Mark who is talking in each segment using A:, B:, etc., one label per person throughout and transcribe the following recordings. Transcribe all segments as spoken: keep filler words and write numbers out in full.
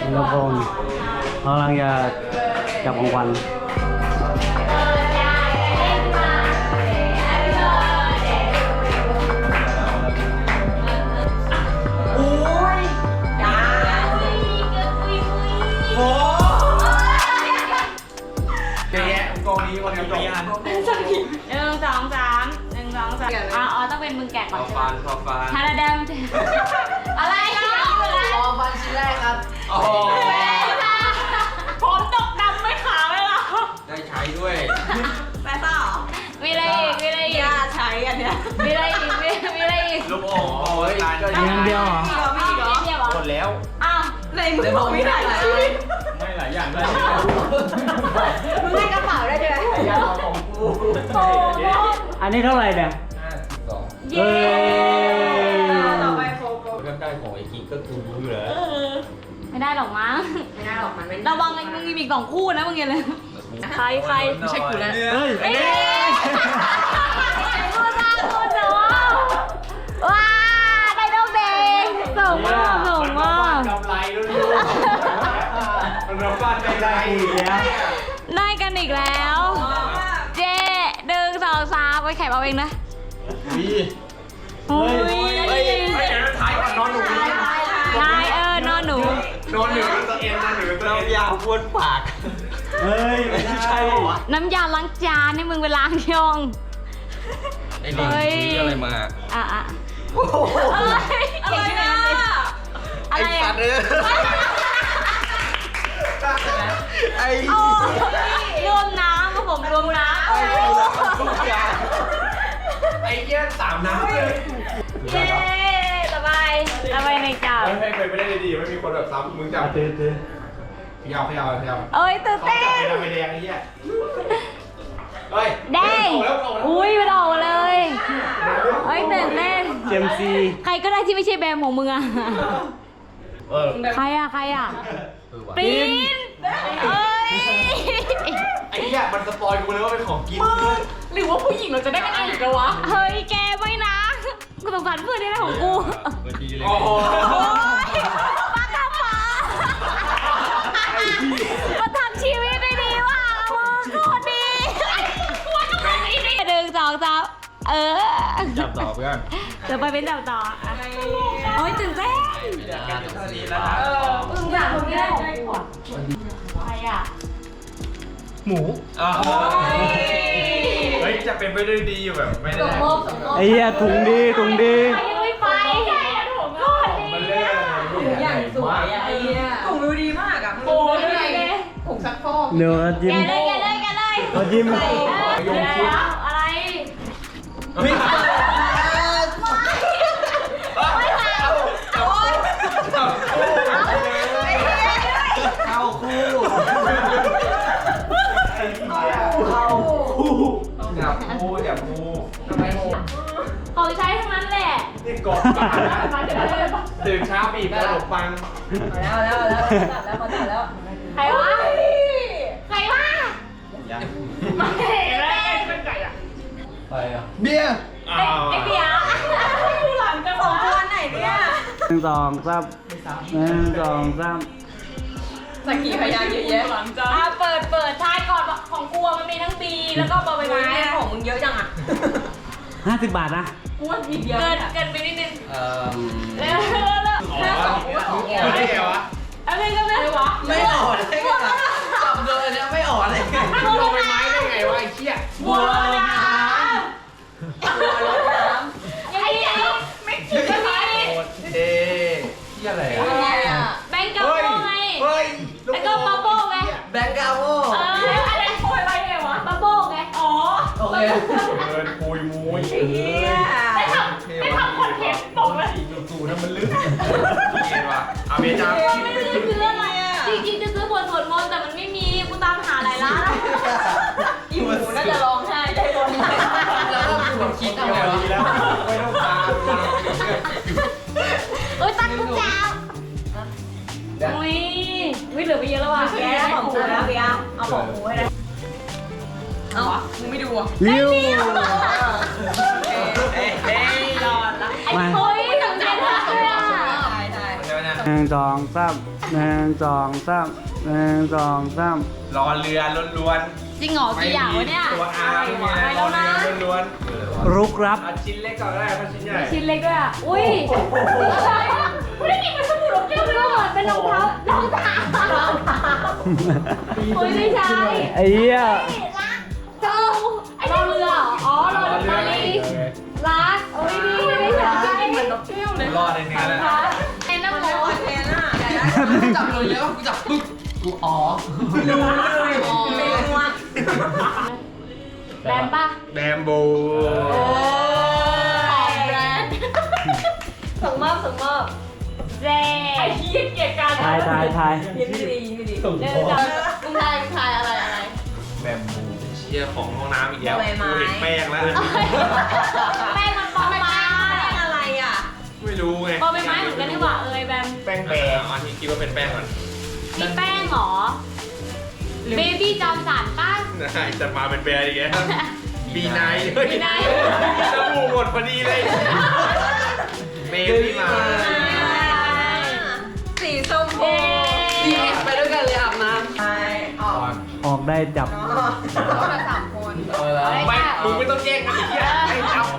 A: แล้วก็กำลังจะจับของขวัญ
B: หนึ่งสองสามหนึ่งสองสามอ๋อต้องเป็นมึงแกะก่อนใช่ไหมฟอฟานฮาราดามอะไรนะฟอฟันชิ้นแรกครับโอ้โหผมตกดำไม่ขาวเลยเหรอได้ใช้ด้วยแม่ต่อมีอะไรอีกมีอะไรอีกใช้อันเนี้ยมีอะไรอีกมีมีอะไรอีก
C: ลูกโป่งโอ้ย
A: ยังเดียวเหรอ
B: มีอีกเหรอมีอีกเหรอ
C: หมดแล้ว
B: อ้าวในมือผมมีหลายชิ้น
C: ไม่หลายอย่างได้
B: มึงให้กระเป๋าได้ด้วย
C: ยาของกู
A: อันนี้เท่าไหร่เนี่ย
C: ห้าสิบสอง
B: เย้ต่อไปโฟกัส
C: ใกล้ๆของไอ้กิ๊กก็กูรู้อยู่แล้ว
B: ไม่ได้หรอกมั้งไม่ได้หรอกมันไม่ระวังมึงมีกล่องคู่นะมึงอย่าเลยใครใครไม่ใช่กูแล้ว
A: เฮ้ย
B: พูดมาพูดนะว้าได้ดอกแดงสูงมากสูงมาก
C: กำไรรู้ๆมันรับบ้านไม่ได้อีกแล้ว
B: ได้กันอีกแล้วเจ๊หนึ่งสองสามไปแข่งเอาเองนะ
C: วี
B: โอ้ย
C: เฮ้ยเฮ้ยถ่ายก่อนนอนหนู
B: นายเออนอนหนู
C: นอนหนูตัวเอ็นนอนหนูตัวเอ็นยาวบ้วนปาก
A: เฮ้ยไม่ใช่หรอ
B: น้ำยาล้างจานให้มึงไปล้างยอง
C: ไอ้ลิงซื้ออะไรมา
B: อ่ะอ่ะอะไรอะไรนะอะไรอ่ะ
C: ไอ้
B: รวมน้ำครับผมรวมน้ำ
C: ไอ้เยี่ยสามน้ำเลย
B: เย้ต่อไปต่อไปในจับ
C: ให้เคยไม่ได้ดีไม่มีคนแบบซ้ำมึงจับ
A: ตื่นตื่น
C: ขยาวขยาวขยาว
B: เอ้ยตื่นเต้น
C: จับไปแดงไอ้เหี้ยเฮ้ย
B: แดงอุ้ยมันออกเลยเฮ้ยตื่นเต้น
A: เจมซี
B: ใครก็ได้ที่ไม่ใช่แบมของมึงอะใครอะใครอะปรินเอ้ย
C: ไอ้เหี้ยมันสปอยกูเลยว่าเป็นของกิน
B: หรือว่าผู้หญิงเราจะได้กันอีกแล้ววะเฮ้ยแกไม่นะกูสงสารเพื่อนนี่นะของกู
C: โอ้โห
B: ป้าทำมามาทำชีวิตได้ดีว่ะมึงโคตรดีหนึ่งสองสามเออ
C: จับต่อเพื่อน
B: เดี๋ยวไปเป็นจับต่อโอ้ยตื่นเต้นเออมึงอยากคนนี้ได้ของกูใครอ่ะ
C: หมูเฮ้ยจะเป็นไปได้ดีอยู่แบบไม่ได้
A: ไอ้เหี้ยถุงดีถุงดี
B: ไม่ไปถุงก็ดี
D: ถุงอย่างสวยอ่ะไอ้เหี้ยถุงดูดีมากอ่ะโอ้ยถุงซักฟอก
A: เนื้อจิ้ม
B: แกเลยแกเลยแกเลย
A: จิ้ม
B: อะไร
C: ไม่ขาวเข้าคู่อย่าพูอย่าพูทำไมโห
B: ของใช้ทั้งนั้นแหละ
C: นี่กดตื่นเช้าบีบขนมปัง
D: แล้วแล้วแล้วจับแล้วเขาจับแล้ว
B: ใครวะใครวะไม่ได้เป็นไก่อะ
C: ใครอะเบียร์
B: ไอ้เบียร์หลังจะสองคนไหนเนี่ย
A: หนึ่งสองสามหนึ่งสองสาม
D: สักกี่พยางเยอะแยะหลังจ้า
B: เปิดเปิดท้ายก่อนของกูมันมีทั้งบีแล้วก็บอใบไม้
D: ของมึงเยอะจังอ่ะ
A: ห้าสิบบาทนะ
D: กูว่ามีเยอะ
B: เกินเกินไปนิดนึง
C: เออ
B: แล้วแล้ว
C: แล้วสองสองแก้วได้ไงวะ
B: อะไรก็ไม่วะ
D: ไม่อ่อนได้ไงจับเลยเนี่ยไม่อ่อนเลย
C: ลงไปไม้ได้ไงวะไอ้เชี่ย
B: บัวลอยน้ำบัวลอยน้ำไอ้เหี้ยไม่คิดจะมี
C: เอ๊ะเชี่ยอะไรอ่ะ
B: แบงก์กาโม่ไง
C: เฮ้ย
B: แล้วก็บับเบิ้ลไง
D: แบงก์กาโม่
B: เอออะไรโอยไปไงวะบับเบิ้ลไงอ๋อ
D: โอเค
C: เดินปุยมุ้ย
B: ไม่ทำไม่ทำคอนเทนต์ตกเลย
C: จู่ๆนั่นมันลื่นเห็นปะอาเมจ้า
B: ไม่ได้ซื้ออะไรอ่ะจริงๆจะซื้อบทสวดมนต์แต่มันไม่มีกูตามหาหลายร้าน
D: อีหมูน่าจะร้องไห้ได้บนแล้วก็คุณคิดเอาไว้
C: แล้วไม่ต้องตาม
B: เอ้ยตั้งกุญแจอุ้ยวิ่งเหลือไปเยอะแล้วว่ะ
D: แกของกูแล้วเบียร์เอาของกูให้ได้เอ้ามึงไม่ดูอ่ะ
A: วิว
D: เอ้ยเอ้ยรอดละ
B: ไอ้โอ้ยถึงใจได้เลยอ่ะ
D: ใช่ใช่
A: หนึ่งสองสามหนึ่งสองสามหนึ่งสองสาม
C: รอเรือล้วน
B: จริงเหรอ
C: ๆ
B: กี่อย่างวะเนี่ย
C: ตัวอาร์ไม่มี
B: ไป
C: ร
B: แล้
C: อ
B: วนะ
C: เรือล้วน
A: รุกรับ
C: ๆเอาชิ้นเล็กก่อนก็ได้ถ้าชิ้นใหญ่
B: ชิ้นเล็กด้วยอ่ะ อุ้ยอะไรอ่ะไม่ได้กินเป็นสบู่รองเท้าเลยเหมือนเป็นรองเท้ารองเท้ารองเท้าอุ้ยไม่ใช่
A: ไอ้เหี้ย
B: เจ้าไอ้รอเรือเหรออ๋อรอเรือมาลีรักโอ้ยดีไม่ใช่เหมือนนกแก้วเลย
C: รอดในเนื้อแล้ว
B: ไอ้น้ำโม
D: เทน่ะ
E: จับเลยแล้วกูจับปึ๊บกูอ๋อ
D: รู้เลยไม่รู้ว่า
B: แบมป่ะ
C: แบมโบ
B: ของแบรนด์
D: ส่งมอบส่งมอบ
B: เจไอ้ที่เกียดกัน
A: ทายทายทาย
D: ยิ้มไม่ดียิ้มไม่ดี
B: เดินจับมึงทายมึงทายอะไรอะไร
C: แบมโบเชียร์ของห้องน้ำอีกแล้ว
D: ใบไม้
C: กูเห็นแป้งแล้ว
B: แป้งมันปอมไม้
D: อะไรอ่ะ
C: ไม่รู้ไง
B: ปอมไม้เหมือนกันนี่หว่าเอ้ยแบม
C: แป้งแบมอันนี้คิดว่าเป็นแป้งก่อน
B: นี่แป้งเหรอเบบี้จอมสันป่ะ
C: ได้จะมาเป็นแบร์อีกแล้วบีไนท์
B: บีไนท์
C: สบู่หมดพอดีเลยเบบี้มา
D: สีส้ม
B: เอ๊
E: ดีเอสไปด้วยกันเลยอาบน้
D: ไปออก
A: ออกได้จับ
D: ก็มาสามคน
E: ำเออแล้ว
C: ไม่มึงไม่ต้องแย่งกันอีกทีให้จับ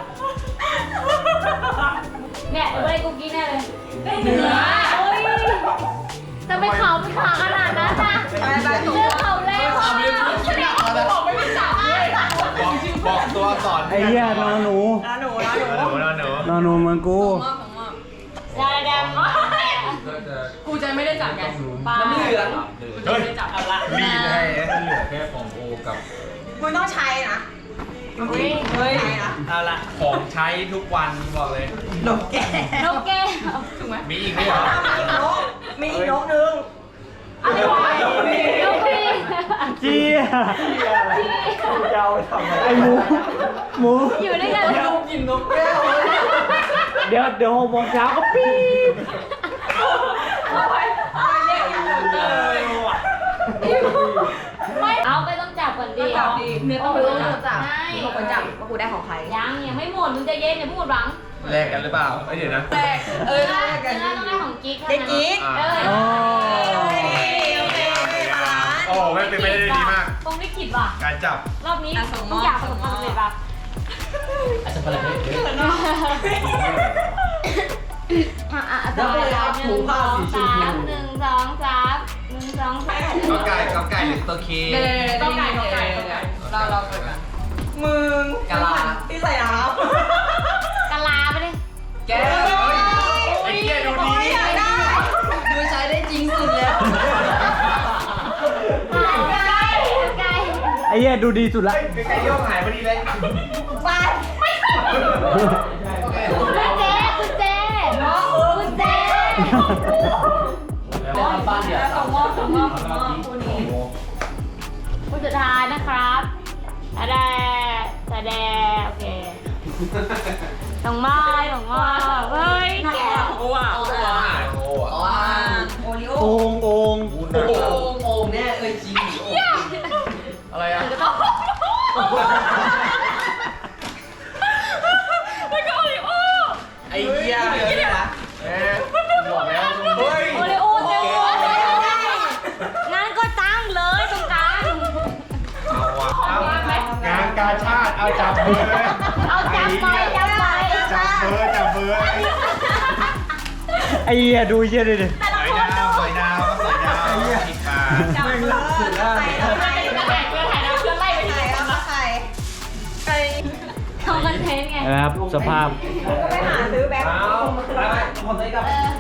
B: เนี่ยดูอะไรกูกินแน่เลยเนื้อโอ้ยจะไปเขาไปขาขนาดนั้นนะ
D: ไปไปถูก
B: เลือกเขาแล้วอ่ะบอกไม่มีจับเลย
C: บอกบอกตัวก่อน
A: ไอ้เหี้ยนอนหนู
D: นะหนูนะหนู
C: หนูนะหนู
A: นอนหนูเหมือนกู
D: ส่งมอบส่งมอบ
B: ยาแดง
D: กูจะไม่ได้จับไง
B: ปลา
E: น้ำเหลือง
C: เฮ้ยจับอะไรรีดให้เหลือแค่ของโอกับ
D: มึงต้องใช้นะ
B: เฮ้ย
D: เฮ้ยนะ
C: เอาละของใช้ทุกวันบอกเลย
D: นกแก้
B: นกแก้ว
D: ถูกไหม
C: มีอีกไหมเหรอ
D: มีนกมีนกนึง
B: อะไรวะนกพี่
A: เจี๊ยเจ้าทำไอ้หมูหมู
B: อยู่ด้วยกัน
E: กินนกแก้ว
A: เดี๋ยวเดี๋ยวหกโมงเช้าก็ปี๊บ
D: เอาไปเอาไปเรียกอย่างอื่นเลย
B: ไม่เอาไปต้องจับก่อนดิ
D: จับดีเนื้อต้องรู้จับ
B: ใช่
D: บอกคนจับว่ากูได้ของใคร
B: ยังยังไม่หมดมึงจะเย็นอย่าพูดหวัง
C: แลกกันหรือเปล่าเอ้ยเดี๋ยวนะ
D: แรกเออ
B: เนื้อ
D: แรกกัน
B: เนื้อต้องได้ของกิ๊ก
D: เด็กกิ๊ก
B: เออ
A: โอ้
C: โอ้ไม่เป็นไปได้ดีมาก
B: ตรงลิขิตว่ะ
C: การจับ
B: รอบนี้ทุกอย่างประสบความสำเร็จป่ะ
E: อาจจะเป็นอะไรเยอะ
B: อ่ะอ่ะต่อเลยหนึ่งสองสามหนึ่งสองสามหนึ่งสองสาม
C: ก็ไก่ก็ไก่หรือตัวเค
D: เดี๋ยวเดี๋ยวต้องไก่ต้องไก่ต้องไก่เราเราเกิดกันมึงที่ใส่น้
B: กะลาไปดิ
E: แก้ว
C: ไอ้เหี้ยดูดี
D: ำอยากได้
E: ดูใช้ได้จริงสุดแล้ว
B: ไก่ไก่
A: ไอ้เหี้ยดูดีสุดละ
C: ไก่โยกหายพอดีเลย
D: ไป
B: คุณเจ๊คุณเจ๊คุณเจ๊
E: แล้วบ้านเดี๋ยว
D: ส่งมอบส่งมอบส่งมอบคู่นี้
B: คุณสุดท้ายนะครับตาแดตาแดโอเคส่งมอบส่งมอบเฮ้ยแก
D: โอ้อ่ะโอ้อ่ะ
C: โอ้
E: อ๋อ
D: โอริโอ
A: โอ่งโอ่ง
E: โอ่งโอ่งเนี่ยเอ้ยจริงโอ่ง
C: อะไรอ่ะ
B: แล้วก็โอริโอ
C: ไอ้เหี้ยเลยนะเอ๊ะบอกแล้วเฮ้ย
B: โอริโอเต็มเลยงั้นก็ตั้งเลยตรงกลาง
C: เอาว่ะเอางานกาชาติเอาจับเบอร์เลย
B: เอาจับไปจับไป
C: จับเบอร์จับเบอร์
A: ไอ้เหี้ยดูเหี้ยดิดิ
C: สอยดาวสอยดาวสอยดาวอีกปลา
D: จับเลยใส่แล้ว
B: ใครจะแข่งเพื่อนถ่ายน้ำเพื่อนไล่ไปที่
D: ใส่แล้วมาใส่ไป
B: ทำคอนเทนต์ไง
A: นะครับสภาพ
D: ก็ไปหาซื้อแบงค์
C: เอาไปคนนี้กับ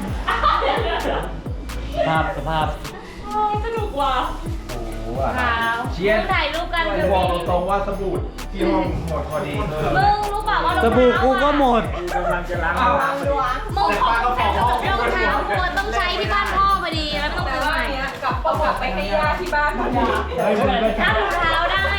A: สภาพสภาพ
B: สนุกว่ะ
C: โอ้โห
B: ขาว
C: เชียร์
B: ถ่ายรูปกัน
C: บอกตรงๆว่าสบู่ที่ห้องหมดพอดี
B: มึงรู้เปล่าว่า
A: สบู่กูก็หมด
C: กำลังจะล้าง
D: เอาวางล้วง
B: มึงของรองเท้ากูต้องใช้ที่บ้านพ่อพอดีแล้วไม่ต้อง
D: แต่
B: ซื้อ
D: ว่า
B: ใหม่
D: เนี้ยกลับเอากลับไปให้ย่าที่บ้านพอดี
B: ถ้ารองเท้าได้